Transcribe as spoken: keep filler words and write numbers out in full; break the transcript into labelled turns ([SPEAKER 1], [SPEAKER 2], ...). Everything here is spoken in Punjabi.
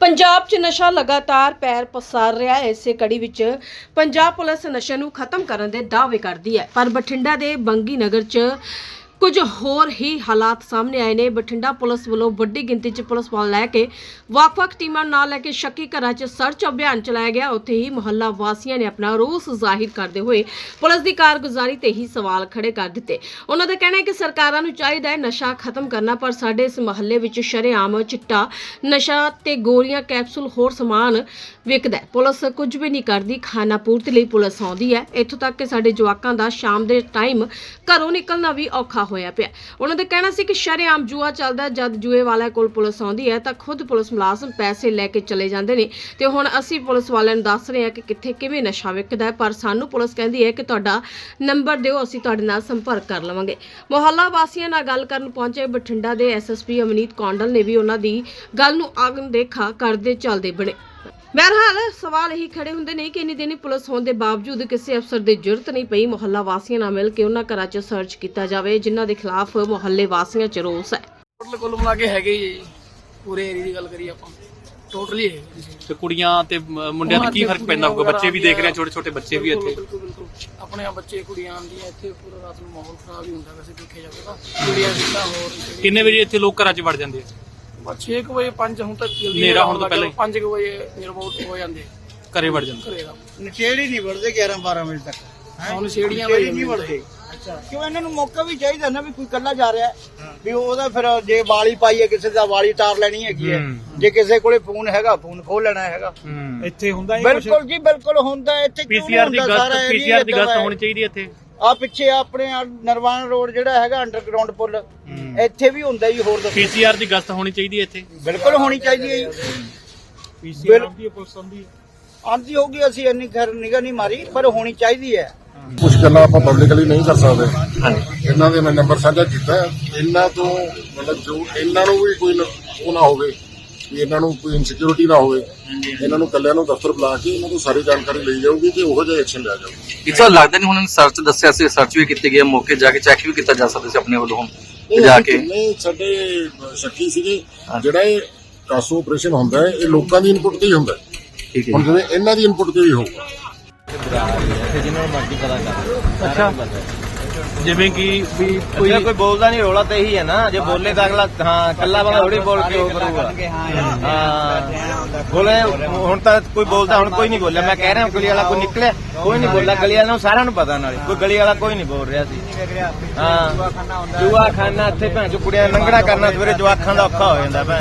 [SPEAKER 1] ਪੰਜਾਬ 'ਚ ਨਸ਼ਾ ਲਗਾਤਾਰ ਪੈਰ ਪਸਾਰ ਰਿਹਾ ਹੈ। ਇਸੇ ਕੜੀ ਵਿੱਚ ਪੰਜਾਬ ਪੁਲਿਸ ਨਸ਼ੇ ਨੂੰ ਖਤਮ ਕਰਨ ਦੇ ਦਾਅਵੇ ਕਰਦੀ ਹੈ, ਪਰ ਬਠਿੰਡਾ ਦੇ ਬੰਗੀ ਨਗਰ 'ਚ ਕੁਝ ਹੋਰ ਹੀ ਹਾਲਾਤ ਸਾਹਮਣੇ ਆਏ ਨੇ। ਬਠਿੰਡਾ ਪੁਲਿਸ ਵੱਲੋਂ ਵੱਡੀ ਗਿਣਤੀ 'ਚ ਪੁਲਿਸ ਵਾਲ ਲੈ ਕੇ ਵੱਖ-ਵੱਖ ਟੀਮਾਂ ਨਾਲ ਲੈ ਕੇ ਸ਼ੱਕੀ ਘਰਾਂ 'ਚ ਸਰਚ ਅਭਿਆਨ ਚਲਾਇਆ ਗਿਆ। ਉੱਥੇ ਹੀ ਮੁਹੱਲਾ ਵਾਸੀਆਂ ਨੇ ਆਪਣਾ ਰੋਸ ਜ਼ਾਹਿਰ ਕਰਦੇ ਹੋਏ ਪੁਲਿਸ ਦੀ ਕਾਰਗੁਜ਼ਾਰੀ ਤੇ ਹੀ ਸਵਾਲ ਖੜੇ ਕਰ ਦਿੱਤੇ। ਉਹਨਾਂ ਦਾ ਕਹਿਣਾ ਹੈ ਕਿ ਸਰਕਾਰਾਂ ਨੂੰ ਚਾਹੀਦਾ ਹੈ ਨਸ਼ਾ ਖਤਮ ਕਰਨਾ, ਪਰ ਸਾਡੇ ਇਸ ਮੁਹੱਲੇ ਵਿੱਚ ਸ਼ਰੇਆਮ ਚਿੱਟਾ ਨਸ਼ਾ ਤੇ ਗੋਲੀਆਂ, ਕੈਪਸੂਲ, ਹੋਰ ਸਮਾਨ ਵਿਕਦਾ ਹੈ। ਪੁਲਿਸ ਕੁਝ ਵੀ ਨਹੀਂ ਕਰਦੀ। ਖਾਣਾ ਪੂਰਤੀ ਲਈ ਪੁਲਿਸ ਆਉਂਦੀ ਹੈ, ਇੱਥੋਂ ਤੱਕ ਕਿ ਸਾਡੇ ਜਵਾਕਾਂ ਦਾ ਸ਼ਾਮ ਦੇ ਟਾਈਮ ਘਰੋਂ ਨਿਕਲਣਾ ਵੀ ਔਖਾ ਹੋਇਆ ਪਿਆ। ਉਹਨਾਂ ਦਾ ਕਹਿਣਾ ਸੀ ਕਿ ਸ਼ਰੇਆਮ ਜੂਆ ਚੱਲਦਾ, ਜਦ ਜੂਏ ਵਾਲਿਆਂ ਕੋਲ ਪੁਲਿਸ ਆਉਂਦੀ ਹੈ ਤਾਂ ਖੁਦ ਪੁਲਿਸ ਮੁਲਾਜ਼ਮ ਪੈਸੇ ਲੈ ਕੇ ਚਲੇ ਜਾਂਦੇ ਨੇ ਤੇ ਹੁਣ ਅਸੀਂ ਪੁਲਿਸ ਵਾਲਿਆਂ ਨੂੰ ਦੱਸ ਰਹੇ ਹਾਂ ਕਿ ਕਿੱਥੇ ਕਿਵੇਂ ਨਸ਼ਾ ਵਿਕਦਾ ਹੈ, ਪਰ ਸਾਨੂੰ ਪੁਲਿਸ ਕਹਿੰਦੀ ਹੈ ਕਿ ਤੁਹਾਡਾ ਨੰਬਰ ਦਿਓ, ਅਸੀਂ ਤੁਹਾਡੇ ਨਾਲ ਸੰਪਰਕ ਕਰ ਲਵਾਂਗੇ। ਮੁਹੱਲਾ ਵਾਸੀਆਂ ਨਾਲ ਗੱਲ ਕਰਨ ਪਹੁੰਚੇ ਬਠਿੰਡਾ ਦੇ S S P Amneet Kondal ਨੇ ਵੀ ਉਹਨਾਂ ਦੀ ਗੱਲ ਨੂੰ ਅਣਦੇਖਾ ਕਰਦੇ ਚੱਲਦੇ ਬਣੇ। ਬਹਰਹਾਲ ਸਵਾਲ ਇਹੀ ਖੜੇ ਹੁੰਦੇ ਨੇ ਕਿ ਇੰਨੀ ਦਿਨੀ ਪੁਲਿਸ ਹੋਣ ਦੇ ਬਾਵਜੂਦ ਕਿਸੇ ਅਫਸਰ ਦੀ ਜ਼ਰੂਰਤ ਨਹੀਂ ਪਈ ਮੁਹੱਲਾ ਵਾਸੀਆਂ ਨਾਲ ਮਿਲ ਕੇ ਉਹਨਾਂ ਘਰਾਂ 'ਚ ਸਰਚ ਕੀਤਾ ਜਾਵੇ ਜਿਨ੍ਹਾਂ ਦੇ ਖਿਲਾਫ ਮੁਹੱਲੇ ਵਾਸੀਆਂ 'ਚ ਰੋਸ ਹੈ।
[SPEAKER 2] ਟੋਟਲ ਕੁੱਲ ਮਿਲਾ ਕੇ ਹੈਗੇ ਜੀ, ਪੂਰੇ ਏਰੀਆ ਦੀ ਗੱਲ ਕਰੀਏ ਆਪਾਂ ਟੋਟਲੀ ਹੈ
[SPEAKER 3] ਤੇ ਕੁੜੀਆਂ ਤੇ ਮੁੰਡਿਆਂ ਦਾ ਕੀ ਫਰਕ ਪੈਂਦਾ ਹੋਊਗਾ? ਬੱਚੇ ਵੀ ਦੇਖ ਰਹੇ, ਛੋਟੇ ਛੋਟੇ ਬੱਚੇ ਵੀ ਇੱਥੇ।
[SPEAKER 2] ਬਿਲਕੁਲ ਬਿਲਕੁਲ ਆਪਣੇ ਆ ਬੱਚੇ ਕੁੜੀਆਂ ਆਉਂਦੀਆਂ ਇੱਥੇ, ਪੂਰਾ ਰਾਤ ਨੂੰ ਮਾਹੌਲ ਖਰਾਬ ਹੀ ਹੁੰਦਾ ਵੈਸੇ ਦੇਖਿਆ ਜਾਵੇ ਤਾਂ। ਕੁੜੀਆਂ ਜਿੱਦਾਂ ਹੋਰ
[SPEAKER 3] ਕਿੰਨੇ ਵਜੇ ਇੱਥੇ ਲੋਕ ਘਰਾਂ 'ਚ ਵੜ ਜਾਂਦੇ ਆ?
[SPEAKER 2] ਛੇ ਕੁ ਵਜੇ ਪੰਜ ਹੁਣ ਤੱਕ ਜਲਦੀ
[SPEAKER 3] ਹਨੇਰਾ ਹੋਣ ਤੋਂ ਪਹਿਲਾਂ ਹੀ
[SPEAKER 2] ਪੰਜ ਕੁ ਵਜੇ ਨਿਰਮੋਟ ਹੋ ਜਾਂਦੇ
[SPEAKER 3] ਘਰੇ ਵੜ ਜਾਂਦੇ।
[SPEAKER 2] ਘਰੇ ਦਾ
[SPEAKER 4] ਨਸ਼ੇੜੀ ਨਹੀਂ ਵੜਦੇ ਗਿਆਰਾਂ ਬਾਰਾਂ ਵਜੇ ਤੱਕ।
[SPEAKER 2] ਹੁਣ ਛੇੜੀਆਂ
[SPEAKER 4] ਨਹੀਂ ਵੜਦੇ। ਅੱਛਾ, ਕਿਉਂ ਇਹਨਾਂ ਨੂੰ ਮੌਕਾ ਵੀ ਚਾਹੀਦਾ ਨਾ, ਵੀ ਕੋਈ ਕੱਲਾ ਜਾ ਰਿਹਾ ਵੀ ਉਹਦਾ ਫਿਰ ਜੇ ਵਾਲੀ ਪਾਈ ਹੈ ਕਿਸੇ ਦਾ ਵਾਲੀ ਤਾਰ ਲੈਣੀ ਹੈਗੀ ਹੈ, ਜੇ ਕਿਸੇ ਕੋਲੇ ਫੋਨ ਹੈਗਾ ਫੋਨ ਖੋਲ ਲੈਣਾ ਹੈਗਾ।
[SPEAKER 3] ਇੱਥੇ ਹੁੰਦਾ
[SPEAKER 4] ਬਿਲਕੁਲ ਜੀ ਬਿਲਕੁਲ ਹੁੰਦਾ। ਇੱਥੇ
[SPEAKER 3] ਪੀਸੀਆਰ ਦੀ ਗਸ਼ਤ ਪੀਸੀਆਰ ਦੀ ਗਸ਼ਤ ਹੋਣੀ ਚਾਹੀਦੀ ਇੱਥੇ।
[SPEAKER 4] ਆ ਪਿੱਛੇ ਆਪਣੇ ਨਰਵਾਨ ਰੋਡ ਜਿਹੜਾ ਹੈਗਾ ਅੰਡਰਗਰਾਉਂਡ ਪੁਲ, ਇੱਥੇ ਵੀ ਹੁੰਦਾ ਜੀ। ਹੋਰ ਦੱਸੋ,
[SPEAKER 3] ਪੀਸੀਆਰ ਦੀ ਗਸ਼ਤ ਹੋਣੀ ਚਾਹੀਦੀ ਇੱਥੇ।
[SPEAKER 4] ਬਿਲਕੁਲ ਹੋਣੀ ਚਾਹੀਦੀ ਹੈ ਜੀ।
[SPEAKER 3] ਪੀਸੀਆਰ ਦੀ ਪੁਲਿਸ ਆਉਂਦੀ
[SPEAKER 4] ਆਉਂਦੀ ਹੋਊਗੀ, ਅਸੀਂ ਇੰਨੀ ਖੈਰ ਨਿਗਾਹ ਨਹੀਂ ਮਾਰੀ, ਪਰ ਹੋਣੀ ਚਾਹੀਦੀ ਹੈ।
[SPEAKER 5] ਕੁਝ ਗੱਲਾਂ ਆਪਾਂ ਪਬਲਿਕਲੀ ਨਹੀਂ ਕਰ ਸਕਦੇ। ਇਹਨਾਂ ਦੇ ਮੈਂ ਨੰਬਰ ਸਾਂਝਾ ਕੀਤਾ। ਇਹਨਾਂ ਤੋਂ ਮਤਲਬ ਜੋ ਇਹਨਾਂ ਨੂੰ ਵੀ ਕੋਈ ਉਹ ਨਾ ਹੋਵੇ, ਵੀ ਇਹਨਾਂ ਨੂੰ ਕੋਈ ਇਨਸਿਕਿਉਰਿਟੀ ਨਾ ਹੋਵੇ। ਇਹਨਾਂ ਨੂੰ ਕੱਲਿਆਂ ਨੂੰ ਦਫ਼ਤਰ ਬੁਲਾ ਕੇ ਇਹਨਾਂ ਤੋਂ ਸਾਰੀ ਜਾਣਕਾਰੀ ਲਈ ਜਾਊਗੀ ਤੇ ਉਹੋ ਜਿਹਾ ਐਕਸ਼ਨ ਲਿਆ ਜਾਊਗਾ।
[SPEAKER 6] ਇਸ ਤਰ੍ਹਾਂ ਲੱਗਦਾ ਨਹੀਂ ਹੁਣ ਸਰਚ ਦੱਸਿਆ ਸੀ, ਸਰਚ ਵੀ ਕੀਤੀ ਗਈ, ਮੌਕੇ ਜਾ ਕੇ ਚੈੱਕ ਵੀ ਕੀਤਾ ਜਾ ਸਕਦਾ ਸੀ ਆਪਣੇ ਵੱਲੋਂ ਜਾ ਕੇ।
[SPEAKER 5] ਨਹੀਂ, ਸਾਡੇ ਸ਼ੱਕੀ ਸੀਗੇ ਜਿਹੜਾ ਇਹ ਕਾਸੋ ਆਪਰੇਸ਼ਨ ਹੁੰਦਾ ਹੈ, ਇਹ ਲੋਕਾਂ ਦੀ ਇਨਪੁਟ ਤੇ ਹੀ ਹੁੰਦਾ ਹੈ।
[SPEAKER 6] ਠੀਕ ਹੈ,
[SPEAKER 5] ਹੁਣ ਜਿਵੇਂ ਇਹਨਾਂ ਦੀ ਇਨਪੁਟ ਤੇ ਵੀ ਹੋਊਗਾ।
[SPEAKER 3] ਅੱਛਾ, ਜਿਵੇਂ ਕਿ ਵੀ
[SPEAKER 7] ਕੋਈ ਕੋਈ ਬੋਲਦਾ ਨਹੀਂ, ਰੋਲਾ ਤਾਂ ਇਹੀ ਹੈ ਨਾ। ਜੇ ਬੋਲੇ ਤਾਂ ਅਗਲਾ ਹਾਂ ਕੱਲਾ ਬੰਦਾ ਥੋੜੀ ਬੋਲ ਕੇ ਉਹ ਕਰੂਗਾ। ਹਾਂ ਬੋਲੇ ਹੁਣ ਤਾਂ ਕੋਈ ਬੋਲਦਾ, ਹੁਣ ਕੋਈ ਨਹੀਂ ਬੋਲਿਆ। ਮੈਂ ਕਹਿ ਰਿਹਾ ਗਲੀ ਵਾਲਾ ਕੋਈ ਨਿਕਲਿਆ, ਕੋਈ ਨਹੀਂ ਬੋਲਿਆ। ਗਲੀ ਵਾਲਾ ਨੂੰ ਸਾਰਿਆਂ ਨੂੰ ਪਤਾ, ਨਾਲੇ ਕੋਈ ਗਲੀ ਵਾਲਾ ਕੋਈ ਨਹੀਂ ਬੋਲ ਰਿਹਾ ਸੀ। ਹਾਂ ਜੂਆ ਖਾਨਾ ਇੱਥੇ ਭੈਣ ਚੋ ਕੁੜੀਆਂ ਲੰਗੜਾ ਕਰਨਾ, ਸਵੇਰੇ ਜਵਾਖਾਂ ਦਾ ਔਖਾ ਹੋ ਜਾਂਦਾ ਭੈਣ।